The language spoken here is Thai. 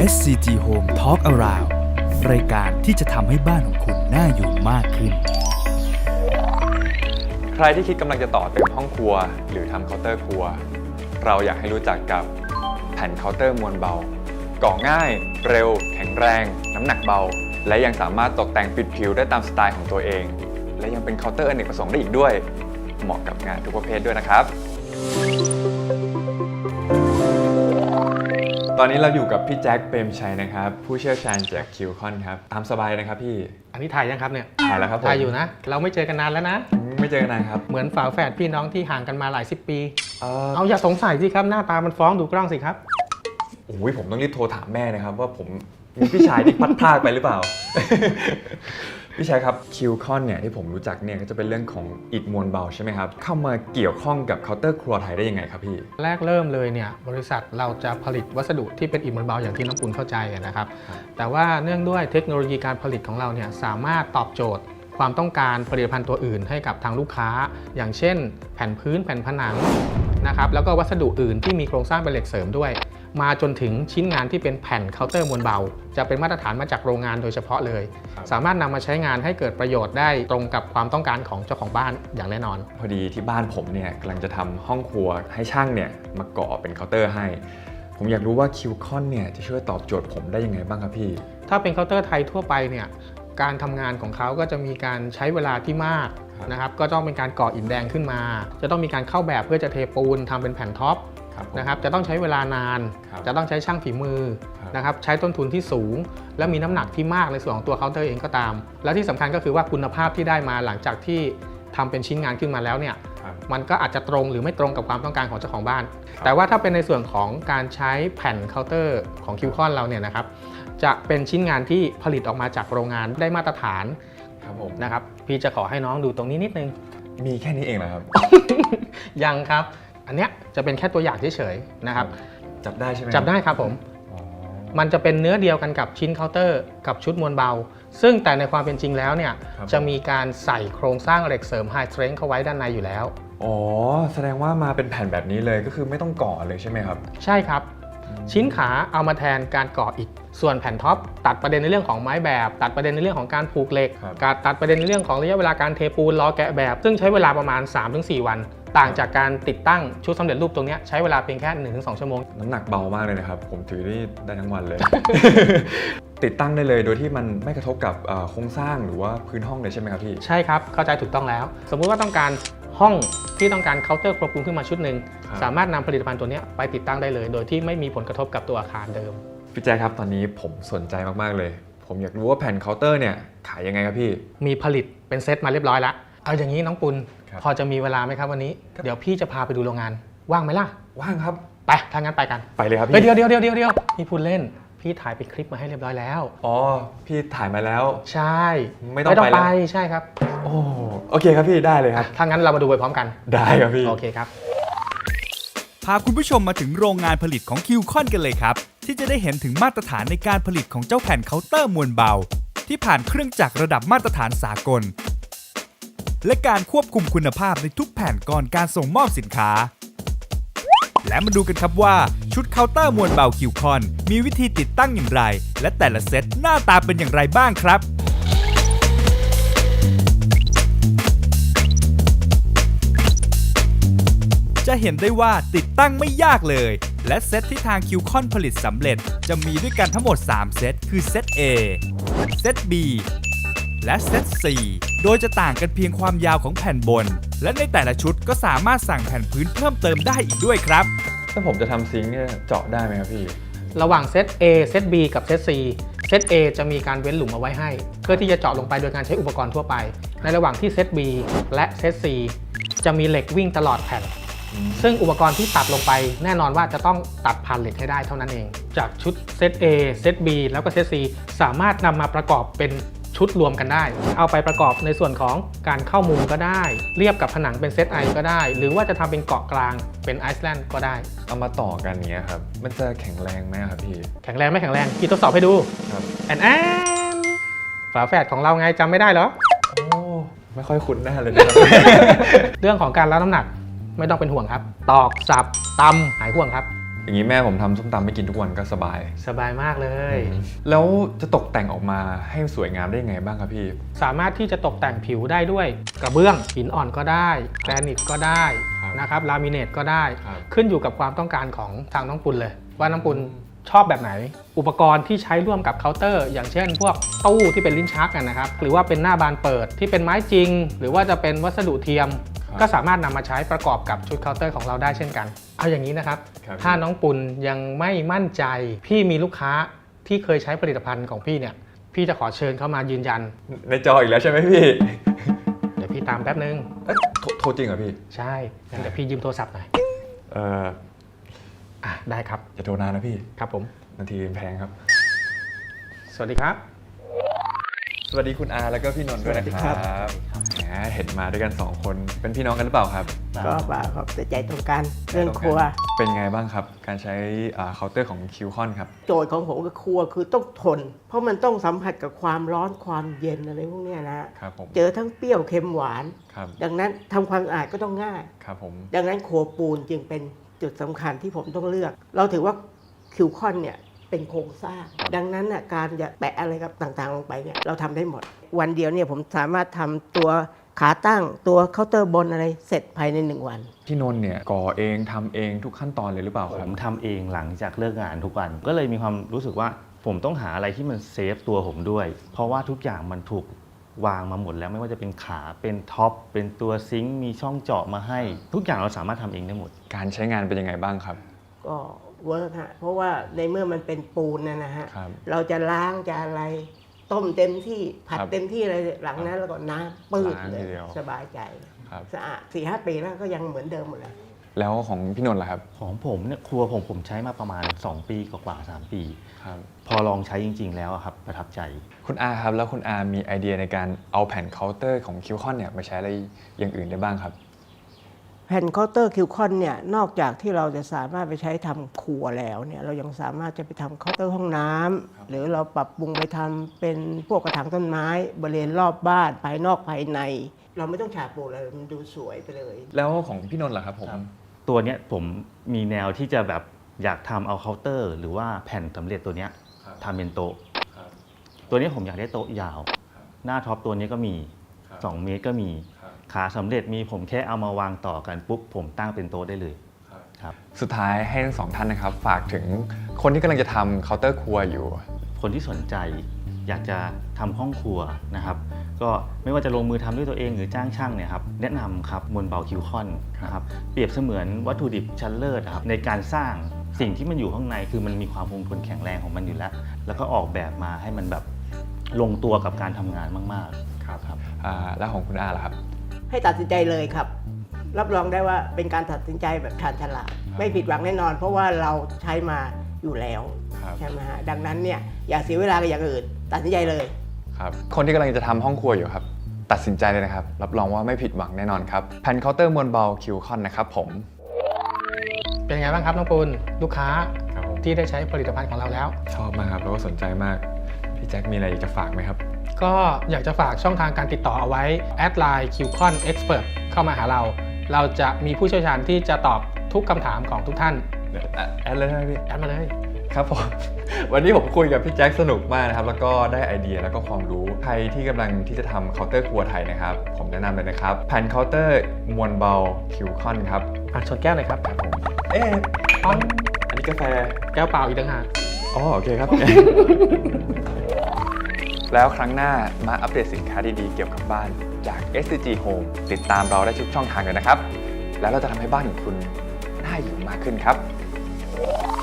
SCG Home Talk Around รายการที่จะทำให้บ้านของคุณน่าอยู่มากขึ้นใครที่คิดกำลังจะต่อเติมห้องครัวหรือทำเคาน์เตอร์ครัวเราอยากให้รู้จักกับแผ่นเคาน์เตอร์มวลเบาก่อง่ายเร็วแข็งแรงน้ำหนักเบาและยังสามารถตกแต่งปิดผิวได้ตามสไตล์ของตัวเองและยังเป็นเคาน์เตอร์อเนกประสงค์ได้อีกด้วยเหมาะกับงานทุกประเภทด้วยนะครับตอนนี้เราอยู่กับพี่แจ็คเปรมชัยนะครับผู้เชี่ยวชาญจากคิวคอนครับตามสบายนะครับพี่อันนี้ถ่ายยังครับเนี่ยถ่ายแล้วครับผมถ่ายอยู่นะเราไม่เจอกันนานแล้วนะไม่เจอกันนานครับเหมือนฝาแฝดพี่น้องที่ห่างกันมาหลาย10 ปีเอาอย่าสงสัยสิครับหน้าตามันฟ้องดูกล้องสิครับโอ้ยผมต้องรีบโทรถามแม่นะครับว่าผมมีพี่ชายที่พัดพลาดไปหรือเปล่า พี่ชายครับคิวคอนเนี่ยที่ผมรู้จักเนี่ยก็จะเป็นเรื่องของอิฐมวลเบาใช่ไหมครับเข้ามาเกี่ยวข้องกับเคาน์เตอร์ครัวไทยได้ยังไงครับพี่แรกเริ่มเลยเนี่ยบริษัทเราจะผลิตวัสดุที่เป็นอิฐมวลเบาอย่างที่น้องปุณเข้าใจนะครับแต่ว่าเนื่องด้วยเทคโนโลยีการผลิตของเราเนี่ยสามารถตอบโจทย์ความต้องการผลิตภัณฑ์ตัวอื่นให้กับทางลูกค้าอย่างเช่นแผ่นพื้นแผ่นผนังนะครับแล้วก็วัสดุอื่นที่มีโครงสร้างเป็นเหล็กเสริมด้วยมาจนถึงชิ้นงานที่เป็นแผ่นเคาน์เตอร์มวลเบาจะเป็นมาตรฐานมาจากโรงงานโดยเฉพาะเลยสามารถนำมาใช้งานให้เกิดประโยชน์ได้ตรงกับความต้องการของเจ้าของบ้านอย่างแน่นอนพอดีที่บ้านผมเนี่ยกำลังจะทำห้องครัวให้ช่างเนี่ยมาก่อเป็นเคาน์เตอร์ให้ผมอยากรู้ว่าคิวคอนเนี่ยจะช่วยตอบโจทย์ผมได้ยังไงบ้างครับพี่ถ้าเป็นเคาน์เตอร์ไทยทั่วไปเนี่ยการทำงานของเขาก็จะมีการใช้เวลาที่มากนะครับก็ต้องเป็นการก่ออิฐแดงขึ้นมาจะต้องมีการเข้าแบบเพื่อจะเทปูนทำเป็นแผ่นท็อปนะครับจะต้องใช้เวลานานจะต้องใช้ช่างฝีมือนะครับใช้ต้นทุนที่สูงและมีน้ำหนักที่มากในส่วนของตัวเคาน์เตอร์เองก็ตามและที่สำคัญก็คือว่าคุณภาพที่ได้มาหลังจากที่ทำเป็นชิ้นงานขึ้นมาแล้วเนี่ยมันก็อาจจะตรงหรือไม่ตรงกับความต้องการของเจ้าของบ้านแต่ว่าถ้าเป็นในส่วนของการใช้แผ่นเคาน์เตอร์ของคิวคอนเราเนี่ยนะครับจะเป็นชิ้นงานที่ผลิตออกมาจากโรงงานได้มาตรฐานนะครับพี่จะขอให้น้องดูตรงนี้นิดนึงมีแค่นี้เองเหรอครับยังครับอันเนี้ยจะเป็นแค่ตัวอย่างเฉยๆนะครับจับได้ใช่ไหมจับได้ครับผมมันจะเป็นเนื้อเดียวกันกับชิ้นเคาน์เตอร์กับชุดมวลเบาซึ่งแต่ในความเป็นจริงแล้วเนี่ยจะมีการใส่โครงสร้างเหล็กเสริม High Strength เข้าไว้ด้านในอยู่แล้วอ๋อแสดงว่ามาเป็นแผ่นแบบนี้เลยก็คือไม่ต้องก่อเลยใช่ไหมครับใช่ครับชิ้นขาเอามาแทนการก่ออิฐส่วนแผ่นท็อปตัดประเด็นในเรื่องของไม้แบบตัดประเด็นในเรื่องของการผูกเหล็กตัดประเด็นในเรื่องของระยะเวลาการเทปูนล้อแกะแบบซึ่งใช้เวลาประมาณ 3-4 วันต่างจากการติดตั้งชุดสำเร็จรูปตรงนี้ใช้เวลาเพียงแค่ 1-2 ชั่วโมงน้ำหนักเบามากเลยนะครับผมถือได้ทั้งวันเลย ติดตั้งได้เลยโดยที่มันไม่กระทบกับโครงสร้างหรือว่าพื้นห้องเลยใช่ไหมครับพี่ใช่ครับเข้าใจถูกต้องแล้วสมมุติว่าต้องการห้องที่ต้องการเคาน์เตอร์ควบคุมขึ้นมาชุดหนึ่งสามารถนำผลิตภัณฑ์ตัวนี้ไปติดตั้งได้เลยโดยที่ไม่มีผลกระทบกับตัวอาคารเดิมพี่แจ๊คครับตอนนี้ผมสนใจมากๆเลยผมอยากรู้ว่าแผ่นเคาน์เตอร์เนี่ยขายยังไงครับพี่มีผลิตเป็นเซตมาเรียบร้อยแล้วเอาอย่างนี้น้องปุณพอจะมีเวลาไหมครับวันนี้เดี๋ยวพี่จะพาไปดูโรงงานว่างไหมล่ะว่างครับไปถ้างั้นไปกันไปเลยครับพี่เดี๋ยวพี่พูดเล่นพี่ถ่ายเป็นคลิปมาให้เรียบร้อยแล้วอ๋อพี่ถ่ายมาแล้วใช่ไม่ต้องไปใช่ครับโอเคครับพี่ได้เลยครับถ้างั้นเรามาดูไปพร้อมกันได้ครับพี่โอเคครับพาคุณผู้ชมมาถึงโรงงานผลิตของคิวคอนกันเลยครับที่จะได้เห็นถึงมาตรฐานในการผลิตของเจ้าแผ่นเคาน์เตอร์มวลเบาที่ผ่านเครื่องจักรระดับมาตรฐานสากลและการควบคุมคุณภาพในทุกแผ่นก่อนการส่งมอบสินค้าและมาดูกันครับว่าชุดเคาน์เตอร์มวลเบาคิวคอนมีวิธีติดตั้งอย่างไรและแต่ละเซตหน้าตาเป็นอย่างไรบ้างครับจะเห็นได้ว่าติดตั้งไม่ยากเลยและเซตที่ทางคิวคอนผลิตสำเร็จจะมีด้วยกันทั้งหมด3เซตคือเซต A เซต B และเซต C โดยจะต่างกันเพียงความยาวของแผ่นบนและในแต่ละชุดก็สามารถสั่งแผ่นพื้นเพิ่มเติมได้อีกด้วยครับถ้าผมจะทำซิงค์เนี่ยเจาะได้ไหมครับพี่ระหว่างเซต A เซต B กับเซต C เซต A จะมีการเว้นหลุมเอาไว้ให้เพื่อที่จะเจาะลงไปโดยการใช้อุปกรณ์ทั่วไปในระหว่างที่เซต B และเซต C จะมีเหล็กวิ่งตลอดแผ่นซึ่งอุปกรณ์ที่ตัดลงไปแน่นอนว่าจะต้องตัดผ่านเหล็กให้ได้เท่านั้นเองจากชุดเซต A เซต B แล้วก็เซต C สามารถนำมาประกอบเป็นชุดรวมกันได้เอาไปประกอบในส่วนของการเข้ามุมก็ได้เรียบกับผนังเป็นเซตไอก็ได้หรือว่าจะทำเป็นเกาะกลางเป็นไอซ์แลนด์ก็ได้เอามาต่อกันเนี้ยครับมันจะแข็งแรงไหมครับพี่แข็งแรงไม่แข็งแรงพี่ทดสอบให้ดูครับฝาแฝดของเราไงจำไม่ได้เหรอไม่ค่อยคุ้นหน้าเลยนะครับเรื่องของการรับน้ำหนักไม่ต้องเป็นห่วงครับตอกสับตำหายห่วงครับอย่างนี้แม่ผมทำส้มตำไม่กินทุกวันก็สบายสบายมากเลยแล้วจะตกแต่งออกมาให้สวยงามได้ยังไงบ้างครับพี่สามารถที่จะตกแต่งผิวได้ด้วยกระเบื้องหินอ่อนก็ได้แกรนิตก็ได้ครับนะครับลามิเนตก็ได้ครับขึ้นอยู่กับความต้องการของทางน้องปุณเลย ว่าน้องปุณชอบแบบไหน อุปกรณ์ที่ใช้ร่วมกับเคาน์เตอร์ อย่างเช่น พวกตู้ที่เป็นลิ้นชักนะครับหรือว่าเป็นหน้าบานเปิดที่เป็นไม้จริง หรือว่าจะเป็นวัสดุเทียม ก็สามารถนำมาใช้ประกอบกับชุดเคาน์เตอร์ของเราได้เช่นกัน เอาอย่างนี้นะครับครับถ้าน้องปุณยังไม่มั่นใจ พี่มีลูกค้าที่เคยใช้ผลิตภัณฑ์ของพี่เนี่ยพี่จะขอเชิญเข้ามายืนยันในจออีกแล้วใช่ไหมพี่เดี๋ยวพี่ตามแป๊บนึงโทรจริงเหรอพี่ใช่งั้นเดี๋ยวพี่ยืมโทรศัพท์หน่อย ได้ครับอย่าโทรนานนะพี่ครับผมนาทีแพงครับสวัสดีครับสวัสดีคุณอาแล้วก็พี่นนท์ด้วยนะคสวัสดีครัรับบ แหมเห็นมาด้วยกัน2คนเป็นพี่น้องกันหรือเปล่าครับก็เปล่าครับแต่ใจตรงกันเรื่องครัวเป็นไงบ้างครับ การใช้เคาน์เตอร์ของคิวคอนครับโจทย์ของผมกับครัวคือต้องทน เพราะมันต้องสัมผัสกับความร้อนความเย็นอะไรพวกเนี้ยนะครับผมเจอทั้งเปรี้ยวเค็มหวานครับดังนั้นทำความสะอาดก็ต้องง่ายครับผมดังนั้นครัวปูนจึงเป็นจุดสำคัญที่ผมต้องเลือก เราถือว่าคิวคอนเนี่ยเป็นโครงสร้าง ดังนั้นน่ะการจะแปะอะไรกับต่างๆลงไปเนี่ยเราทำได้หมด วันเดียวเนี่ยผมสามารถทำตัวขาตั้งตัวเคาน์เตอร์บนอะไรเสร็จภายใน1 วันพี่นนท์เนี่ยก่อเองทำเองทุกขั้นตอนเลยหรือเปล่าผครับมทำเองหลังจากเลิกงานทุกวัน ก็เลยมีความรู้สึกว่าผมต้องหาอะไรที่มันเซฟตัวผมด้วย เพราะว่าทุกอย่างมันถูกวางมาหมดแล้วไม่ว่าจะเป็นขาเป็นท็อปเป็นตัวซิงค์มีช่องเจาะมาให้ ทุกอย่างเราสามารถทำเองได้หมดการใช้งานเป็นยังไงบ้างครับก็เวิร์กฮะเพราะว่าในเมื่อมันเป็นปูนนะฮะครับเราจะล้างจะอะไรต้มเต็มที่ผัดครับเต็มที่อะไรหลังนั้นแล้วก็น้ำปื้ดล้างเลทียเดียวสบายใจครับสะอาด4-5 ปีแล้วก็ยังเหมือนเดิมหมดเลยแล้วของพี่นนท์ล่ะครับของผมเนี่ยครัวผมใช้มาประมาณ 2 ปีกว่าๆ3 ปีครับพอลองใช้จริง ๆ แล้วอะครับประทับใจคุณอาครับแล้วคุณอามีไอเดียในการเอาแผ่นเคาน์เตอร์ของคิวคอนเนี่ยมาใช้อะไรอย่างอื่นได้บ้างครับแผ่นเคาน์เตอร์คิวคอนเนี่ยนอกจากที่เราจะสามารถไปใช้ทำครัวแล้วเนี่ยเรายังสามารถจะไปทำเคาน์เตอร์ห้องน้ำหรือเราปรับปรุงไปทำเป็นพวกกระถางต้นไม้บริเวณรอบบ้านภายนอกภายใน เราไม่ต้องฉาบปูนเลยมันดูสวยไปเลยแล้วของพี่นนท์ล่ะครับผมตัวเนี้ยผมมีแนวที่จะแบบอยากทำเอาเคาน์เตอร์ หรือว่าแผ่นสำเร็จตัวเนี้ยครับทำเป็นโต๊ะครับตัวเนี้ยผมอยากได้โต๊ะยาวครับหน้าท็อปตัวเนี้ยก็มีครับ 2 เมตรก็มีครับขาสำเร็จมีผมแค่เอามาวางต่อกันปุ๊บผมตั้งเป็นโต๊ะได้เลยครับสุดท้ายให้ทั้งสองท่านนะครับฝากถึงคนที่กำลังจะทำเคาน์เตอร์ครัวอยู่คนที่สนใจอยากจะทำห้องครัวนะครับ ก็ไม่ว่าจะลงมือทำด้วยตัวเองหรือจ้างช่างเนี่ยครับแนะนำครับมวลเบาคิวคอนนะครับเปรียบเสมือนวัตถุดิบชั้นเลิศครับในการสร้างสิ่งที่มันอยู่ข้างในคือมันมีความคงทนแข็งแรงของมันอยู่แล้ว แล้วก็ออกแบบมาให้มันแบบลงตัวกับการทำงานมากๆครับแล้วของคุณอาล่ะครับให้ตัดสินใจเลยครับ รับรองได้ว่าเป็นการตัดสินใจแบบชาญฉลาดไม่ผิดหวังแน่นอน เพราะว่าเราใช้มาอยู่แล้วครับใช่ไหมฮะดังนั้นเนี่ยอย่าเสียเวลากับอย่างอื่น ตัดสินใจเลยครับคนที่กำลังจะทำห้องครัวอยู่ครับตัดสินใจเลยนะครับรับรองว่าไม่ผิดหวังแน่นอนครับแผ่นเคาน์เตอร์มวลเบาคิวคอนนะครับผมเป็นไงบ้างครับน้องปุณลูกค้าครับผมที่ได้ใช้ผลิตภัณฑ์ของเราแล้วชอบมากครับแล้วก็สนใจมากพี่แจ็คมีอะไรอยากจะฝากไหมครับก็อยากจะฝากช่องทางการติดต่อเอาไว้แอดไลน์ QCon Expert เข้ามาหาเรา เราจะมีผู้เชี่ยวชาญที่จะตอบทุกคำถามของทุกท่านแอดเลยใช่ไหมพี่แอดมาเลยครับผม วันนี้ผมคุยกับพี่แจ็คสนุกมากนะครับแล้วก็ได้ไอเดียแล้วก็ความรู้ใครที่กำลังที่จะทำเคาน์เตอร์ครัวไทยนะครับผมแนะนำเลยนะครับแผ่นเคาน์เตอร์มวลเบาคิวคอนครับชนแก้วหน่อยครับครับผมเอ๊ะอ๋ออันนี้กาแฟแก้วเปล่าอีกต่างหากอ๋อโอเคครับ แล้วครั้งหน้ามาอัปเดตสินค้าดีๆเกี่ยวกับบ้านจาก SCG Home ติดตามเราได้ทุกช่องทางเลยนะครับ แล้วเราจะทำให้บ้านของคุณน่าอยู่มากขึ้นครับ